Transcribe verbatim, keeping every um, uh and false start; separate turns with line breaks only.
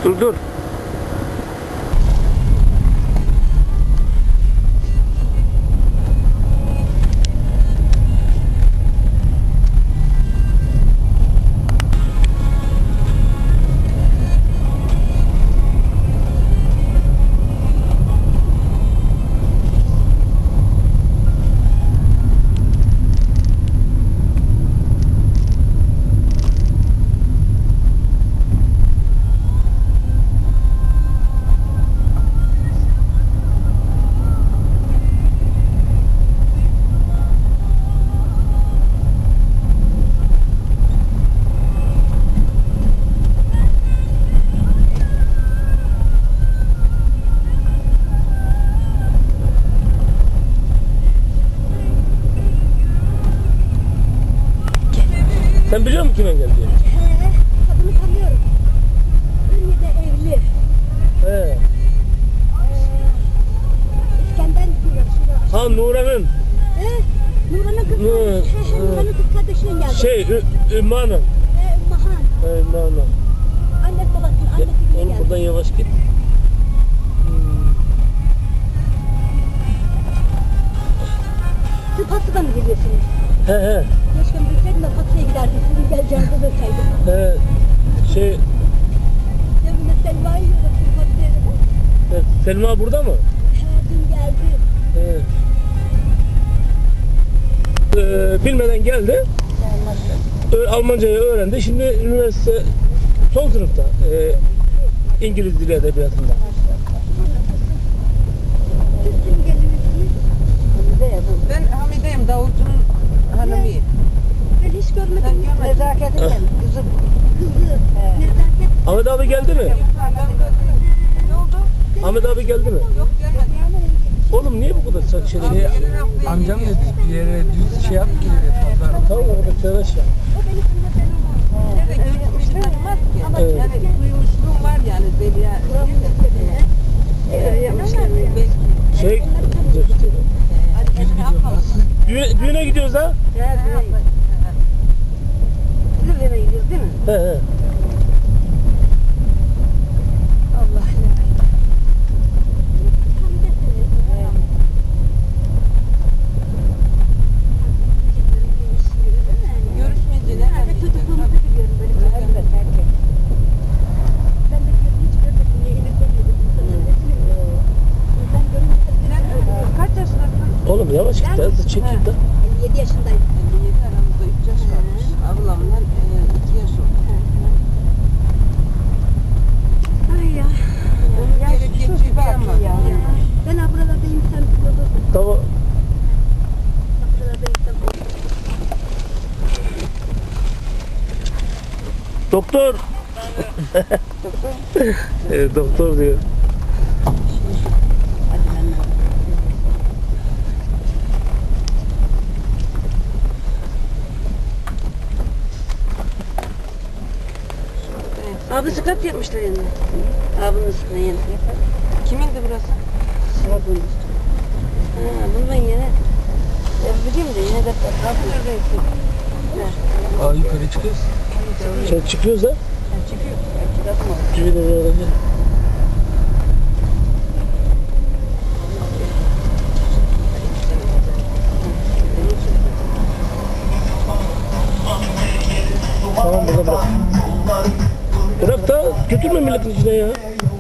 Dur dur. Sen biliyor musun kime geldi?
He, kadını tanıyorum. Ünye'de evli.
He.
Ee, İskender diyor. şurada.
Ha Nuran'ın.
He, Nurhan'ın kız
Nur-
kardeşi. He, he, Nurhan'ın kız kardeşinin geldi.
Şey Ü- Ümmü Hanım.
He, Mahan.
He Ümmü Hanım.
Anne babasının annesi bile
Oğlum
geldi.
buradan yavaş git.
Siz Patı'dan mı geliyorsunuz?
He he.
Keşke bilseydim de Patı'ya giderdim. Sizin geleceğinizi bilseydim.
He. Şey
Cebimde Selma'yı yiyordum. Siz Patı'ya gider.
e, Selma burada mı?
He, dün geldi.
He. Ee, bilmeden geldi. Ö- Almancayı öğrendi. Şimdi üniversite son sınıfta. Ee, İngiliz dili edebiyatında.
Siz kim geliyorsunuz?
Ben Hamide'yim, Davulcu'nun hanımıyım.
Ben hiç
Sen
görmedim.
görmedin.
Nezaket'in kızı. Kızı. Nezaket.
Ahmet abi geldi mi?
Ne oldu?
Ahmet abi geldi mi?
Yok gelmedi.
Oğlum niye bu kadar sa- şey
Abi,
dedi?
gelin haftaya
Amcam
geliyor.
dedi bir yere düz şey yap ki dedi pazar.
Tamam orada tıraş ya.
O beni tanımadan ama.
Nerede görüşmüşü tanımaz ki.
Ama
Evet.
Yani duymuşluğum var yani Zeliha. Ee, yapmışlar belki.
Şey
Hadi kendine yapalım.
düğüne, düğüne gidiyoruz ha?
Siz eve gidiyoruz değil mi?
He he.
Allah
Görüşmeyince ne?
Ben de çocukluğumuzu biliyorum böyle çocuklar. Ben de hiç görmedim. Yeni görmedim. Ben görmedim.
Kaç yaşındasın?
Oğlum yavaş git ya. Çekil de.
elli yedi yaşındayım.
elli yedi, aramızda üç yaş varmış. Ablamdan iki yaş oldu.
Ay ya.
Onun gerek geçiyor ama.
Ben ha buralardayım sen burada.
Tamam.
Buralardayım sen.
Doktor. Evet, doktor diyor.
Abi scrap yapmışlar yanına. Abinin üstüne yanına.
Kimindi burası?
Sıvabın üstüne. Ha, bunu ben yine. Ya biliyorum da yine de abi neredeyse.
Aa yukarı çıkıyoruz.
Sen çıkıyoruz ha?
Sen çıkıyor. Ben çıkartma.
Düğüne öğrenci. Tamam burada bırak. Bırak da götürme milletin içine ya.